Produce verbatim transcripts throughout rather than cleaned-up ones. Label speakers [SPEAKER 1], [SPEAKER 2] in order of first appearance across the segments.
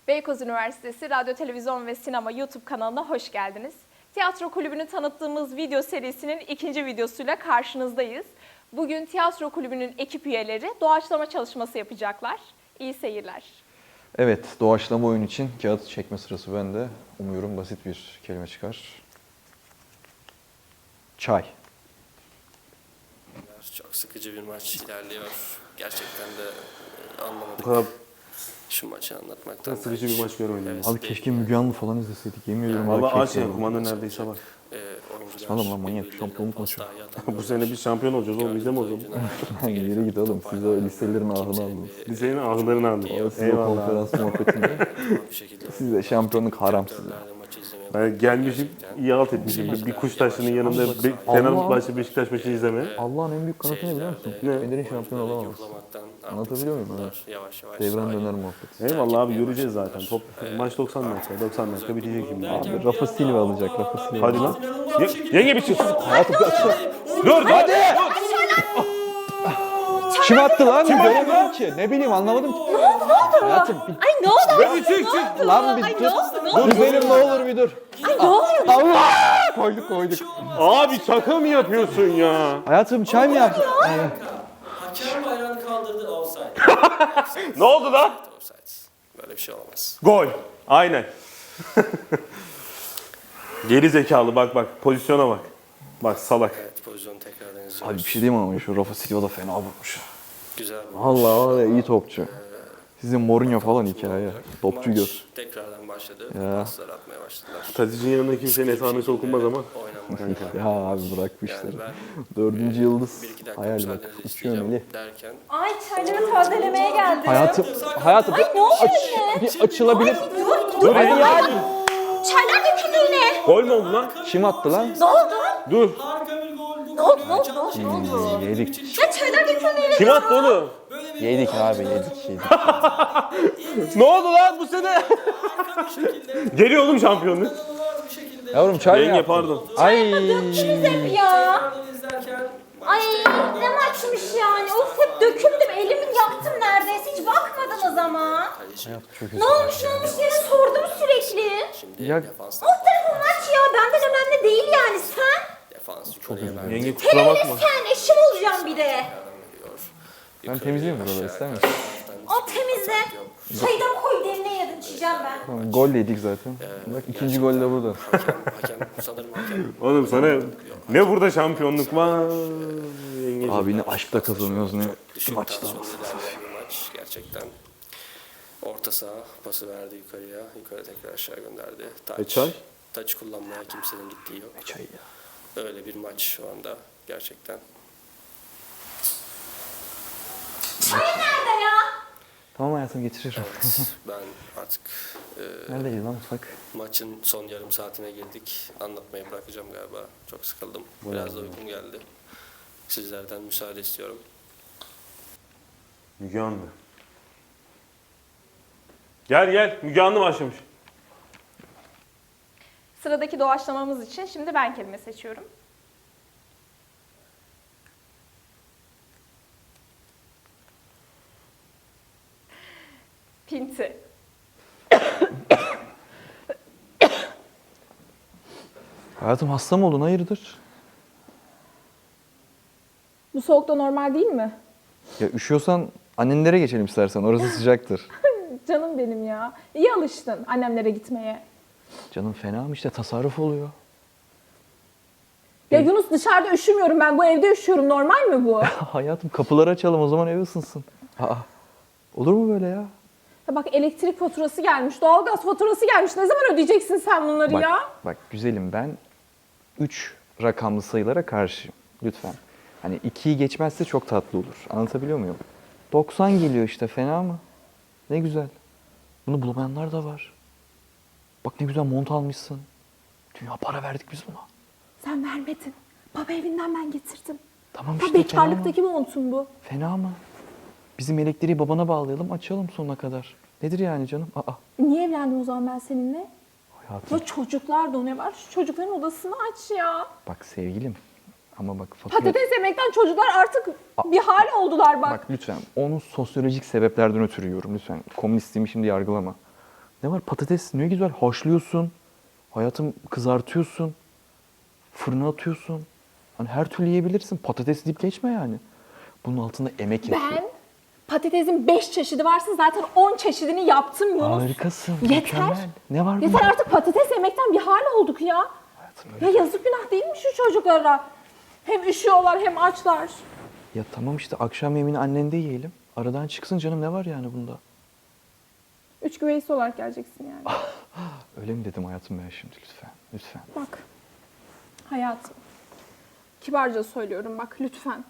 [SPEAKER 1] Beykoz Üniversitesi Radyo, Televizyon ve Sinema YouTube kanalına hoş geldiniz. Tiyatro Kulübü'nü tanıttığımız video serisinin ikinci videosuyla karşınızdayız. Bugün Tiyatro Kulübü'nün ekip üyeleri doğaçlama çalışması yapacaklar. İyi seyirler.
[SPEAKER 2] Evet, doğaçlama oyun için kağıt çekme sırası bende. Umuyorum basit bir kelime çıkar. Çay.
[SPEAKER 3] Çok sıkıcı bir maç ilerliyor. Gerçekten de e, anlamadık.
[SPEAKER 4] Bu kadar
[SPEAKER 3] Şu maçı anlatmaktan.
[SPEAKER 4] sıkıcı bir maç görmedim.
[SPEAKER 3] Evet.
[SPEAKER 2] Abi keşke Müge Anlı falan izleseydik. Yemin ediyorum abi
[SPEAKER 4] Valla aç
[SPEAKER 2] keşke.
[SPEAKER 4] yani kumanda neredeyse var.
[SPEAKER 3] E, oyuncular
[SPEAKER 2] Saçmalama lan, manyak,
[SPEAKER 3] birbirlerine
[SPEAKER 2] şampiyonluk
[SPEAKER 3] pas
[SPEAKER 2] maçı.
[SPEAKER 3] dahi atamıyorlar.
[SPEAKER 4] Bu sene biz şampiyon olacağız oğlum, bizde mi o zaman?
[SPEAKER 3] Gördüğümüz oyuncular
[SPEAKER 2] Lan yere git oğlum, siz o liselerin ahını aldınız.
[SPEAKER 4] Lisenin ağlarını aldık.
[SPEAKER 2] Siz o
[SPEAKER 4] Eyvallah.
[SPEAKER 2] konferans muhabbetinde.
[SPEAKER 3] bir şekilde
[SPEAKER 2] Size şampiyonluk haram size.
[SPEAKER 3] sektörlerde maçı izlemeye
[SPEAKER 4] Ben gelmişim, iyi alt etmişim. Bir, bir kuş taşının yanında bir Fenerbahçe Beşiktaş maçı izlemeye.
[SPEAKER 2] Allah'ın en büyük kanıtı ne biliyor musun?
[SPEAKER 4] Ne?
[SPEAKER 2] Fener'in şampiyon olamaz. Anlatabiliyor muyum? Evet.
[SPEAKER 3] Yavaş yavaş
[SPEAKER 2] Devran döner muhabbeti.
[SPEAKER 4] Eyvallah abi, göreceğiz zaten. Top, maç doksan dakika, doksan dakika bitecek şimdi.
[SPEAKER 2] Abi Rafa Silva alacak, Rafa Silva.
[SPEAKER 4] Hadi lan. Ye- yenge bir çık. Hayatım bir açsana. Dur hadi.
[SPEAKER 2] Kim attı lan? Göremedim ki. Ne bileyim, anlamadım ki.
[SPEAKER 1] Ne oldu, ne oldu?
[SPEAKER 2] Hayatım bir
[SPEAKER 1] Ay ne oldu?
[SPEAKER 4] Bir çık çık.
[SPEAKER 2] lan bir
[SPEAKER 1] Ay
[SPEAKER 2] dur.
[SPEAKER 1] ne oldu, ne oldu?
[SPEAKER 2] Dur benim, ne olur bir dur.
[SPEAKER 1] Ay ne oluyor?
[SPEAKER 2] Allah! Koyduk koyduk.
[SPEAKER 4] Abi şaka mı yapıyorsun ya?
[SPEAKER 2] Hayatım çay mı yaptın? Aynen.
[SPEAKER 3] Hakem bayrağını kaldırdı, offside.
[SPEAKER 4] Ne oldu lan?
[SPEAKER 3] Offside. Böyle bir şey olamaz.
[SPEAKER 4] Gol. Aynen. Geri zekalı, bak bak pozisyona bak. Bak salak.
[SPEAKER 3] Evet, pozisyonu tekrardan izliyoruz.
[SPEAKER 2] Abi bir şey diyeyim ama şu Rafa Silva da fena vurmuş.
[SPEAKER 3] Güzel bir
[SPEAKER 2] Allah var ya, iyi topçu. Sizin Mourinho falan hikaye. Topçu
[SPEAKER 3] maç
[SPEAKER 2] gör.
[SPEAKER 3] tekrardan başladı.
[SPEAKER 2] Ya.
[SPEAKER 3] Paslar atmaya başladılar.
[SPEAKER 4] Tadic'in yanında kimsenin esamesi okunmaz ama.
[SPEAKER 3] Oynanmak.
[SPEAKER 2] Ya abi bırak bu
[SPEAKER 3] Yani
[SPEAKER 2] işleri.
[SPEAKER 3] ben
[SPEAKER 2] Dördüncü yıldız.
[SPEAKER 3] bir iki dakika
[SPEAKER 2] Hayal bak.
[SPEAKER 3] müsaadenizi
[SPEAKER 2] Uçuyor
[SPEAKER 3] isteyeceğim
[SPEAKER 2] Melih.
[SPEAKER 3] derken
[SPEAKER 1] Ay çayları tazelemeye geldim.
[SPEAKER 2] Hayatım, hayatım
[SPEAKER 1] Ay ne oluyor
[SPEAKER 2] aç,
[SPEAKER 1] yine?
[SPEAKER 2] bir açılabilir.
[SPEAKER 1] Dur,
[SPEAKER 2] Dur
[SPEAKER 1] Ay,
[SPEAKER 2] yani.
[SPEAKER 1] Çaylar döküldü yine.
[SPEAKER 4] Gol mü oldu lan?
[SPEAKER 2] Kim attı lan?
[SPEAKER 1] Ne oldu?
[SPEAKER 4] Dur.
[SPEAKER 1] Ne oldu, ne oldu, ne oldu? Ne oldu?
[SPEAKER 2] Hmm, yedik.
[SPEAKER 1] Ya çaylar döküldü yine.
[SPEAKER 4] Kim attı onu?
[SPEAKER 2] Yedik abi, yedik yedik.
[SPEAKER 4] Ne oldu lan bu sene? Geliyor oğlum şampiyonluk.
[SPEAKER 2] Yavrum çay mı
[SPEAKER 4] Yenge
[SPEAKER 2] yaptın?
[SPEAKER 4] pardon.
[SPEAKER 2] Ay.
[SPEAKER 1] Hep ya. Ay ne maçmış yani. Of hep döküldüm. Elimi yaktım neredeyse. Hiç bakmadınız ama.
[SPEAKER 2] Çok
[SPEAKER 1] Ne olmuş ne olmuş diye sordum sürekli.
[SPEAKER 3] şimdi
[SPEAKER 2] Ya-
[SPEAKER 3] defans
[SPEAKER 1] Alt tarafı maç ya. Benden önemli değil yani. Sen?
[SPEAKER 3] defans yukarıya verdi.
[SPEAKER 4] Yenge kusura bakma.
[SPEAKER 1] Sen eşim olacağım bir de.
[SPEAKER 2] Ben temizleyeyim mi buraları, ister misin?
[SPEAKER 1] Al temizle. Çaydan koy demle yedim. İçeceğim ben.
[SPEAKER 2] Tamam, gol yedik zaten. Bak ikinci gol de burada.
[SPEAKER 3] Hakem, hakem sanırım hakem.
[SPEAKER 4] Oğlum sana ne burada şampiyonluk var? Yenge.
[SPEAKER 2] Abi ne aşkla kazanıyoruz ne
[SPEAKER 3] Düşük
[SPEAKER 2] maçta.
[SPEAKER 3] tansiyonlu ilerleyen bir maç gerçekten. Orta saha pası verdi yukarıya. Yukarı tekrar aşağı gönderdi. Taç.
[SPEAKER 4] E çay?
[SPEAKER 3] Taç kullanmaya kimsenin gittiği yok.
[SPEAKER 2] Çay ya.
[SPEAKER 3] Öyle bir maç şu anda gerçekten.
[SPEAKER 1] Çay nerede ya?
[SPEAKER 2] Tamam hayatım, getiririm.
[SPEAKER 3] Evet, ben artık e,
[SPEAKER 2] Neredeyiz lan mutfak?
[SPEAKER 3] maçın son yarım saatine girdik. Anlatmayı bırakacağım galiba. Çok sıkıldım. Biraz da uykum geldi. Sizlerden müsaade istiyorum.
[SPEAKER 4] Müge Anlı. Gel gel, Müge Anlı başlamış.
[SPEAKER 1] Sıradaki doğaçlamamız için şimdi ben kelime seçiyorum. Pinti.
[SPEAKER 2] Hayatım hasta mı oldun, hayırdır?
[SPEAKER 1] Bu soğukta normal değil mi?
[SPEAKER 2] Ya üşüyorsan annenlere geçelim istersen, orası sıcaktır.
[SPEAKER 1] Canım benim ya. İyi alıştın annemlere gitmeye.
[SPEAKER 2] Canım fena mı işte, tasarruf oluyor.
[SPEAKER 1] Ya Yunus dışarıda üşümüyorum ben. Bu evde üşüyorum. Normal mi bu?
[SPEAKER 2] Hayatım kapıları açalım o zaman, ev ısınsın. Aa, olur mu böyle ya?
[SPEAKER 1] Ya bak elektrik faturası gelmiş, doğalgaz faturası gelmiş. Ne zaman ödeyeceksin sen bunları
[SPEAKER 2] Bak,
[SPEAKER 1] ya?
[SPEAKER 2] bak güzelim, ben üç rakamlı sayılara karşıyım. Lütfen. Hani ikiyi geçmezse çok tatlı olur. Anlatabiliyor muyum? doksan geliyor işte, fena mı? Ne güzel. Bunu bulamayanlar da var. Bak ne güzel mont almışsın. Dünya para verdik biz buna.
[SPEAKER 1] Sen vermedin. Baba evinden ben getirdim.
[SPEAKER 2] Tamam
[SPEAKER 1] Ya
[SPEAKER 2] işte, fena mı?
[SPEAKER 1] bekarlıktaki montun bu.
[SPEAKER 2] Fena mı? Bizim elektriği babana bağlayalım, açalım sonuna kadar. Nedir yani canım? Aa,
[SPEAKER 1] Niye evlendim o zaman ben seninle?
[SPEAKER 2] hayatım.
[SPEAKER 1] Ya çocuklar da o ne var? Şu çocukların odasını aç ya.
[SPEAKER 2] Bak sevgilim. Ama bak fatura...
[SPEAKER 1] Patates yemekten çocuklar artık bir hal oldular bak.
[SPEAKER 2] Bak lütfen, onu sosyolojik sebeplerden ötürü yiyorum lütfen. Komünistliğimi şimdi yargılama. Ne var patates ne güzel haşlıyorsun. Hayatım kızartıyorsun. Fırına atıyorsun. Hani her türlü yiyebilirsin. Patates deyip geçme yani. Bunun altında emek yatıyor.
[SPEAKER 1] Ben patatesin beş çeşidi varsa zaten on çeşidini yaptım Yunus.
[SPEAKER 2] Harikasın.
[SPEAKER 1] Yeter.
[SPEAKER 2] Mükemmel. Ne var
[SPEAKER 1] Yeter
[SPEAKER 2] bunda?
[SPEAKER 1] artık patates yemekten bir hal olduk ya.
[SPEAKER 2] Hayatım
[SPEAKER 1] Ya
[SPEAKER 2] öyle.
[SPEAKER 1] yazık günah değil mi şu çocuklara? Hem üşüyorlar hem açlar.
[SPEAKER 2] Ya tamam işte akşam yemeğini annende yiyelim. Aradan çıksın canım ne var yani bunda?
[SPEAKER 1] Üç güveysi olarak geleceksin yani.
[SPEAKER 2] Öyle mi dedim hayatım ben şimdi lütfen. Lütfen.
[SPEAKER 1] Bak hayatım. Kibarca söylüyorum bak lütfen.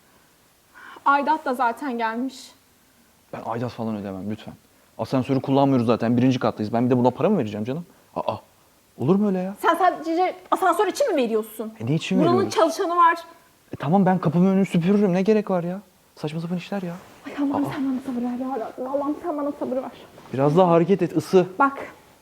[SPEAKER 1] Aidat da zaten gelmiş.
[SPEAKER 2] Ben aidat falan ödemem lütfen. Asansörü kullanmıyoruz zaten. Birinci kattayız. Ben bir de buna para mı vereceğim canım? Aa. Olur mu öyle ya?
[SPEAKER 1] Sen sadece asansör için mi veriyorsun?
[SPEAKER 2] E ne için
[SPEAKER 1] Buranın
[SPEAKER 2] veriyoruz?
[SPEAKER 1] çalışanı var.
[SPEAKER 2] E tamam ben kapımın önünü süpürürüm. Ne gerek var ya? Saçma sapan işler ya.
[SPEAKER 1] Ay Allah'ım sen bana sabır ver ya Rabbim. Allah'ım sen bana sabır ver.
[SPEAKER 2] Biraz daha hareket et, ısı.
[SPEAKER 1] Bak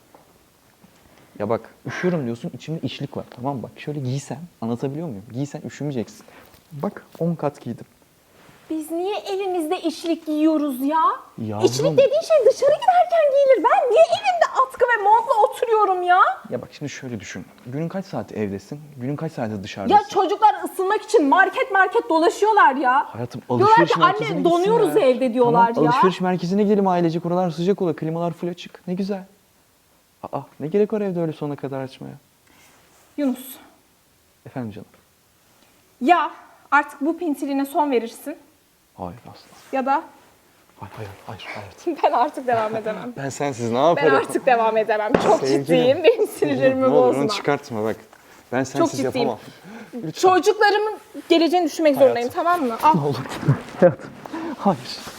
[SPEAKER 2] Ya bak üşüyorum diyorsun, içimde içlik var tamam mı? Bak şöyle giysen, anlatabiliyor muyum? Giysen üşümeyeceksin. Bak on kat giydim.
[SPEAKER 1] biz niye evimizde içlik giyiyoruz ya?
[SPEAKER 2] Yavrum.
[SPEAKER 1] İçlik dediğin şey dışarı giderken giyilir. Ben niye evimde atkı ve montla oturuyorum ya?
[SPEAKER 2] Ya bak şimdi şöyle düşün. Günün kaç saati evdesin? Günün kaç saati dışarıdasın?
[SPEAKER 1] Ya çocuklar ısınmak için market market dolaşıyorlar ya.
[SPEAKER 2] Hayatım
[SPEAKER 1] Diyorlar
[SPEAKER 2] alışveriş
[SPEAKER 1] ki
[SPEAKER 2] merkezine
[SPEAKER 1] anne
[SPEAKER 2] gitsinler.
[SPEAKER 1] donuyoruz evde diyorlar
[SPEAKER 2] Tamam,
[SPEAKER 1] ya.
[SPEAKER 2] alışveriş merkezine gidelim ailecek. Oralar sıcak olur. Klimalar full açık. Ne güzel. Aa ne gerek var evde öyle sonuna kadar açmaya?
[SPEAKER 1] Yunus
[SPEAKER 2] Efendim canım.
[SPEAKER 1] ya artık bu pintiline son verirsin
[SPEAKER 2] Hayır asla.
[SPEAKER 1] ya da
[SPEAKER 2] Hayır hayır hayır. hayır.
[SPEAKER 1] ben artık devam edemem.
[SPEAKER 2] Ben sensiz ne
[SPEAKER 1] Ben
[SPEAKER 2] yaparım?
[SPEAKER 1] artık devam edemem. Çok
[SPEAKER 2] Sevgilim.
[SPEAKER 1] ciddiyim. Benim sinirlerimi
[SPEAKER 2] Ne olur
[SPEAKER 1] bozma.
[SPEAKER 2] onu çıkartma bak. Ben sensiz
[SPEAKER 1] ciddiyim.
[SPEAKER 2] yapamam.
[SPEAKER 1] Çocuklarımın geleceğini düşünmek zorundayım tamam mı? Al
[SPEAKER 2] Ne olur. Hayatım. Hayır.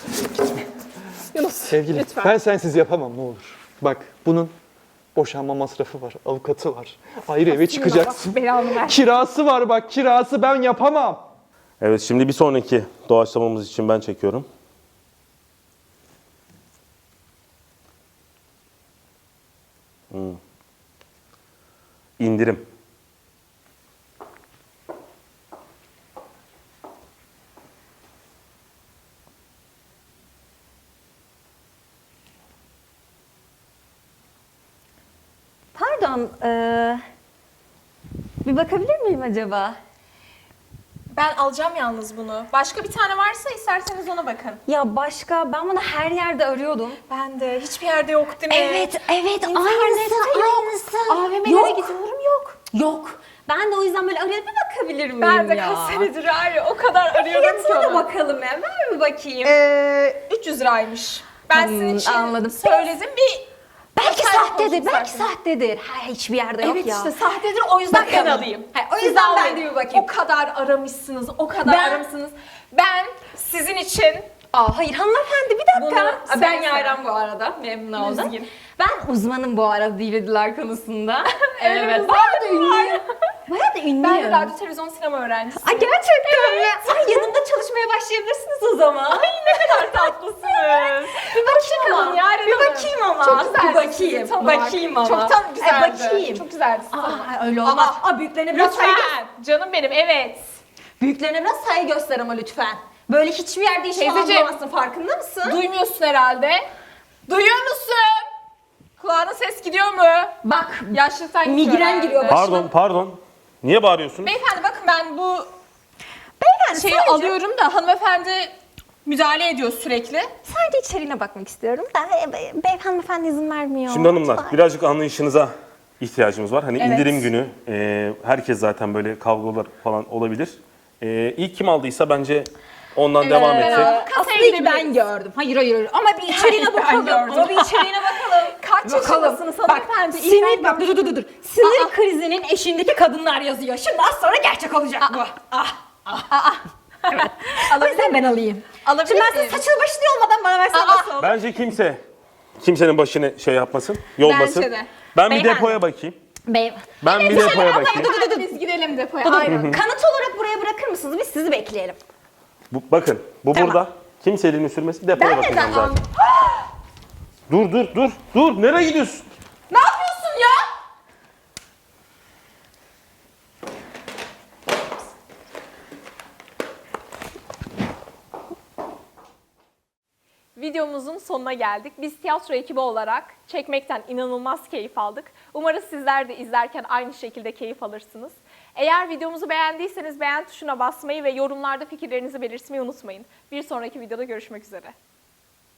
[SPEAKER 1] Yunus
[SPEAKER 2] Sevgilim
[SPEAKER 1] lütfen.
[SPEAKER 2] ben sensiz yapamam ne olur. Bak bunun boşanma masrafı var, avukatı var. Ayrı eve çıkacaksın.
[SPEAKER 1] Allah belanı ver.
[SPEAKER 2] Kirası var bak kirası ben yapamam.
[SPEAKER 4] Evet, şimdi bir sonraki doğaçlamamız için ben çekiyorum. Hmm. İndirim.
[SPEAKER 5] Pardon, eee, bir bakabilir miyim acaba?
[SPEAKER 1] Ben alacağım yalnız bunu. Başka bir tane varsa isterseniz ona bakın.
[SPEAKER 5] Ya başka, ben bunu her yerde arıyordum.
[SPEAKER 1] Ben de hiçbir yerde yok değil mi?
[SPEAKER 5] Evet, evet,
[SPEAKER 1] İnternette
[SPEAKER 5] aynısı,
[SPEAKER 1] yok.
[SPEAKER 5] aynısı.
[SPEAKER 1] A V M'lere
[SPEAKER 5] Yok.
[SPEAKER 1] gidiyorum yok.
[SPEAKER 5] Yok. Ben de o yüzden böyle arayıp bir bakabilir miyim
[SPEAKER 1] Ben de
[SPEAKER 5] ya?
[SPEAKER 1] kaç senedir var ya o kadar arıyorum ki
[SPEAKER 5] Fiyatına da
[SPEAKER 1] onu.
[SPEAKER 5] bakalım ya, ver bir bakayım.
[SPEAKER 1] Ee, üç yüz liraymış. Ben
[SPEAKER 5] Hmm,
[SPEAKER 1] sizin için
[SPEAKER 5] anladım.
[SPEAKER 1] söyledim bir...
[SPEAKER 5] belki
[SPEAKER 1] Sen
[SPEAKER 5] sahtedir,
[SPEAKER 1] olsun
[SPEAKER 5] belki
[SPEAKER 1] zaten.
[SPEAKER 5] sahtedir. Ha, hiçbir yerde yok
[SPEAKER 1] Evet
[SPEAKER 5] ya.
[SPEAKER 1] işte sahtedir o yüzden ben
[SPEAKER 5] Bakalım.
[SPEAKER 1] alayım.
[SPEAKER 5] Ha, o
[SPEAKER 1] Siz
[SPEAKER 5] yüzden ben
[SPEAKER 1] almayın.
[SPEAKER 5] de bir bakayım.
[SPEAKER 1] O kadar aramışsınız, o kadar
[SPEAKER 5] Ben-
[SPEAKER 1] aramışsınız. Ben sizin için
[SPEAKER 5] Aa, hayır hanımefendi bir dakika.
[SPEAKER 1] Bunu
[SPEAKER 5] Aa, ben
[SPEAKER 1] sen-
[SPEAKER 5] Yayran bu arada, memnun oldum.
[SPEAKER 1] Üzgün.
[SPEAKER 5] Ben uzmanım bu arada dilediler konusunda.
[SPEAKER 1] Evet,
[SPEAKER 5] evet, bayağı da ünlüyüm. Bayağı da ünlüyüm.
[SPEAKER 1] ben de radyo, televizyon, sinema öğrencisiyim.
[SPEAKER 5] Ay gerçekten mi? Ay yanımda çalışmaya başlayabilirsiniz o zaman. Ay ne kadar tatlısınız. bir bakayım
[SPEAKER 1] Bakalım
[SPEAKER 5] ama.
[SPEAKER 1] Yaren
[SPEAKER 5] bir
[SPEAKER 1] Hanım.
[SPEAKER 5] bakayım ama.
[SPEAKER 1] Çok güzeldi
[SPEAKER 5] Bir bakayım.
[SPEAKER 1] sizi tanımak.
[SPEAKER 5] Bakayım ama.
[SPEAKER 1] Çok tam güzeldi.
[SPEAKER 5] Ay, bakayım.
[SPEAKER 1] Çok güzeldi.
[SPEAKER 5] Aa, öyle olmaz.
[SPEAKER 1] Aa,
[SPEAKER 5] Aa, büyüklerine biraz saygı
[SPEAKER 1] Lütfen. Canım benim evet.
[SPEAKER 5] Büyüklerine biraz saygı göster ama lütfen. Böyle hiçbir yerde işimi
[SPEAKER 1] Teyzeciğim.
[SPEAKER 5] almamazsın, farkında mısın?
[SPEAKER 1] Duymuyorsun herhalde. Duyuyor musun? Kulağına ses gidiyor mu?
[SPEAKER 5] Bak,
[SPEAKER 1] Yaşlıktan gidiyor
[SPEAKER 5] Migren
[SPEAKER 1] herhalde.
[SPEAKER 5] giriyor.
[SPEAKER 4] Pardon, pardon. Niye bağırıyorsun?
[SPEAKER 1] Beyefendi bakın ben bu
[SPEAKER 5] beyefendi
[SPEAKER 1] şeyi
[SPEAKER 5] sadece,
[SPEAKER 1] alıyorum da hanımefendi müdahale ediyor sürekli.
[SPEAKER 5] sadece içeriğine bakmak istiyorum da e, be- beyefendi izin vermiyor.
[SPEAKER 4] Şimdi hanımlar,
[SPEAKER 5] Lütfen.
[SPEAKER 4] birazcık anlayışınıza ihtiyacımız var. Hani
[SPEAKER 1] Evet.
[SPEAKER 4] indirim günü, e, herkes zaten böyle kavgalar falan olabilir. E, ilk kim aldıysa bence ondan devam
[SPEAKER 1] Evet.
[SPEAKER 4] etsek.
[SPEAKER 1] Kasaya
[SPEAKER 5] Aslında ilk
[SPEAKER 1] gidebiliriz.
[SPEAKER 5] ben gördüm. Hayır hayır hayır. Ama bir içeriğine
[SPEAKER 1] Ben
[SPEAKER 5] bakalım.
[SPEAKER 1] gördüm.
[SPEAKER 5] Ama bir içeriğine bakalım.
[SPEAKER 1] Kaç yaşındasınız
[SPEAKER 5] Bak
[SPEAKER 1] hanımefendi? İlk
[SPEAKER 5] sinir
[SPEAKER 1] ben
[SPEAKER 5] bak dur dur dur dur. Sinir krizinin eşiğindeki kadınlar yazıyor. Şimdi az sonra gerçek olacak bu. Ah. Evet. O yüzden ben alayım.
[SPEAKER 1] Alabilir
[SPEAKER 5] Şimdi ben size
[SPEAKER 1] miyim?
[SPEAKER 5] saçılı başlı olmadan bana versen
[SPEAKER 1] Aa.
[SPEAKER 5] nasıl olur?
[SPEAKER 4] Bence kimse, kimsenin başını şey yapmasın, yolmasın.
[SPEAKER 1] Bence de.
[SPEAKER 4] Ben bir
[SPEAKER 5] Beyefendi.
[SPEAKER 4] depoya bakayım.
[SPEAKER 5] Bey.
[SPEAKER 4] Ben bir depoya bakayım.
[SPEAKER 1] Dur dur dur biz gidelim depoya.
[SPEAKER 5] Dur, dur.
[SPEAKER 1] Aynen.
[SPEAKER 5] Kanıt olarak buraya bırakır mısınız? Biz sizi bekleyelim.
[SPEAKER 4] Bu, bakın, bu
[SPEAKER 5] Tamam.
[SPEAKER 4] burada. Kimse elini sürmesin, depoya
[SPEAKER 1] Ben
[SPEAKER 4] bakacağım
[SPEAKER 1] neden
[SPEAKER 4] zaten. Dur, dur, dur, dur. Nereye gidiyorsun?
[SPEAKER 1] Ne yapıyorsun ya? videomuzun sonuna geldik. Biz tiyatro ekibi olarak çekmekten inanılmaz keyif aldık. Umarız sizler de izlerken aynı şekilde keyif alırsınız. Eğer videomuzu beğendiyseniz beğen tuşuna basmayı ve yorumlarda fikirlerinizi belirtmeyi unutmayın. Bir sonraki videoda görüşmek üzere.